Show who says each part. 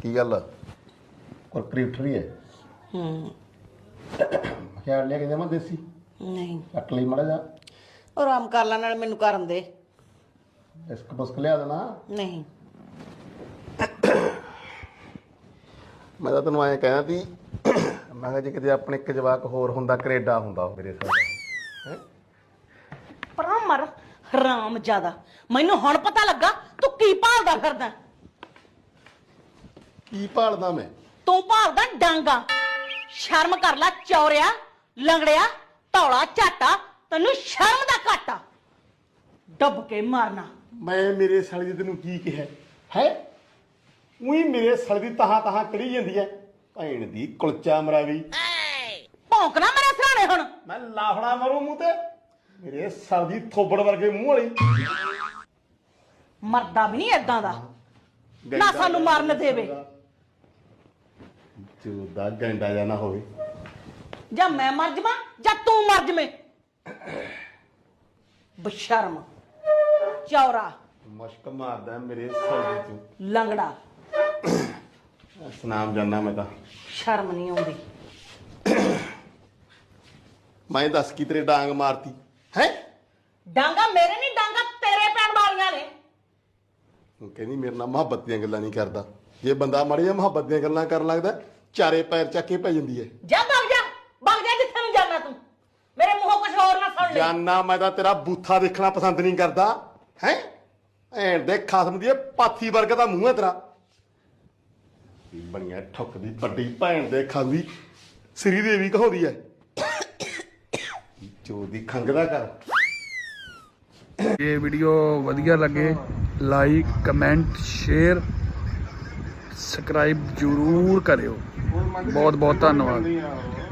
Speaker 1: ਕੀ ਗੱਲ ਕੁਰਕਰੀ ਉੱਠ ਰਹੀ ਹੈ? ਖਿਆਲ ਲਿਆ ਕਿ ਜਮਾ ਦੇਸੀ
Speaker 2: ਨਹੀਂ
Speaker 1: ਕੱਟ ਲਈ ਮੜਾ ਜਾ।
Speaker 2: ਆਰਾਮ ਕਰ ਲੈ, ਨਾਲ ਮੈਨੂੰ ਕਰਨ ਦੇ।
Speaker 1: ਬਿਸਕ ਬੁਸਕ ਲਿਆ ਦੇਣਾ।
Speaker 2: ਨਹੀਂ
Speaker 1: ਮੈਂ ਤਾਂ ਤੈਨੂੰ ਐਂ ਕਹਿਣਾ ਸੀ, ਮੈਂ ਕਿਹਾ ਜੇ ਕਿਤੇ ਆਪਣੇ ਇੱਕ ਜਵਾਕ ਹੋਰ ਹੁੰਦਾ ਕੈਨੇਡਾ ਹੁੰਦਾ ਉਹ ਮੇਰੇ ਸਾਹ ਹੈ।
Speaker 2: ਪਰਾਂ ਮਰ ਹਰਾਮ ਜ਼ਿਆਦਾ। ਮੈਨੂੰ ਹੁਣ ਪਤਾ ਲੱਗਾ ਤੂੰ ਕੀ ਭਾਲਦਾ ਫਿਰਦਾ।
Speaker 1: ਕੀ ਭਾਲਦਾ ਮੈਂ?
Speaker 2: ਤੂੰ ਭਾਲਦਾ ਡਾਂਗਾ। ਸ਼ਰਮ ਕਰ ਲੈ ਚੌਰਿਆ, ਲੰਗੜਿਆ, ਧੌਲਾ ਝਾਟਾ। ਤੈਨੂੰ ਸ਼ਰਮ ਦਾ ਘਾਟਾ। ਡੱਬ ਕੇ ਮਾਰਨਾ।
Speaker 1: ਮੈਂ ਮੇਰੇ ਸਾਲੀ ਦੀ ਤੈਨੂੰ ਕੀ ਕਿਹਾ ਹੈ? ਉਹੀ ਮੇਰੇ ਸਾਲੀ ਦੀ ਤਹਾਂ ਕਰੀ ਜਾਂਦੀ ਹੈ ਭੈਣ ਦੀ ਕੁਲਚਾ ਮਰਾਵੀ।
Speaker 2: ਭੌਂਕਣਾ ਮੇਰੇ ਸਿਆਣੇ ਹੁਣ।
Speaker 1: ਮੈਂ ਲਾਫੜਾ ਮਾਰੂ ਮੂੰਹ ਤੇ ਮੇਰੇ ਸਾਲ ਦੀ ਥੋਬੜ ਵਰਗੇ ਮੂੰਹ ਵਾਲੀ।
Speaker 2: ਮਰਦਾ ਵੀ ਨਹੀਂ ਏਦਾਂ ਦਾ ਨਾ ਸਾਨੂੰ ਮਾਰਨ ਦੇਵੇ।
Speaker 1: ਚੋਦਾ ਗੰਡਾ ਜਾਂ ਨਾ ਹੋਵੇ।
Speaker 2: ਜਾਂ ਮੈਂ ਮਰ ਜਾਵਾਂ ਜਾਂ ਤੂੰ ਮਰ ਜਵੇਂ। ਬਸ਼ਰਮ ਚੌਰਾ
Speaker 1: ਮੁਸ਼ਕ ਮਾਰਦਾ ਮੇਰੇ ਸਾਲ ਦੀ
Speaker 2: ਲੰਗੜਾ।
Speaker 1: ਸਨਾਮ ਜਾਨਾ ਮੈਂ ਤਾਂ।
Speaker 2: ਸ਼ਰਮ ਨਹੀਂ ਆਉਂਦੀ।
Speaker 1: ਮੈਂ ਦੱਸ ਕੀ ਤੇਰੇ ਡਾਂਗ ਮਾਰਤੀ ਹੈ?
Speaker 2: ਡਾਂਗਾ ਮੇਰੇ ਨਹੀਂ, ਡਾਂਗਾ ਤੇਰੇ ਪੈਣ ਵਾਲੀਆਂ ਨੇ।
Speaker 1: ਉਹ ਕਹਿੰਦੀ ਮੇਰੇ ਨਾਲ ਮੁਹੱਬਤ ਦੀਆਂ ਗੱਲਾਂ ਨਹੀਂ ਕਰਦਾ। ਜੇ ਬੰਦਾ ਮਾੜੀ ਜਿਹਾ ਮੁਹੱਬਤ ਦੀਆਂ ਗੱਲਾਂ ਕਰਨ ਲੱਗਦਾ ਚਾਰੇ ਪੈਰ ਚੱਕ ਕੇ ਪੈ ਜਾਂਦੀ ਹੈ।
Speaker 2: ਜਾ ਭੱਗ ਜਾ ਜਿੱਥੇ ਨੂੰ ਜਾਣਾ ਤੂੰ। ਮੇਰੇ ਮੂੰਹੋਂ ਕੁਝ ਹੋਰ ਨਾ ਸੁਣ ਲੈ।
Speaker 1: ਜਾਨਾ ਮੈਂ ਤਾਂ ਤੇਰਾ ਬੂਥਾ ਦੇਖਣਾ ਪਸੰਦ ਨਹੀਂ ਕਰਦਾ ਹੈ। ਐਂ ਦੇ ਖਸਮ ਦੀ ਪਾਥੀ ਵਰਗਾ ਦਾ ਮੂੰਹ ਹੈ ਤੇਰਾ। ਬਣੀਆਂ ਠੁੱਕਦੀ ਵੱਡੀ ਭੈਣ ਦੇ ਖਾਂਦੀ ਸ੍ਰੀ ਦੇਵੀ ਕਹਾਉਂਦੀ ਹੈ। ਚੋ ਦੀ ਖੰਗਦਾ ਕਰ।
Speaker 3: ਇਹ ਵੀਡੀਓ ਵਧੀਆ ਲੱਗੇ ਲਾਈਕ ਕਮੈਂਟ ਸ਼ੇਅਰ ਸਬਸਕ੍ਰਾਈਬ ਜ਼ਰੂਰ ਕਰਿਓ। ਬਹੁਤ ਬਹੁਤ ਧੰਨਵਾਦ।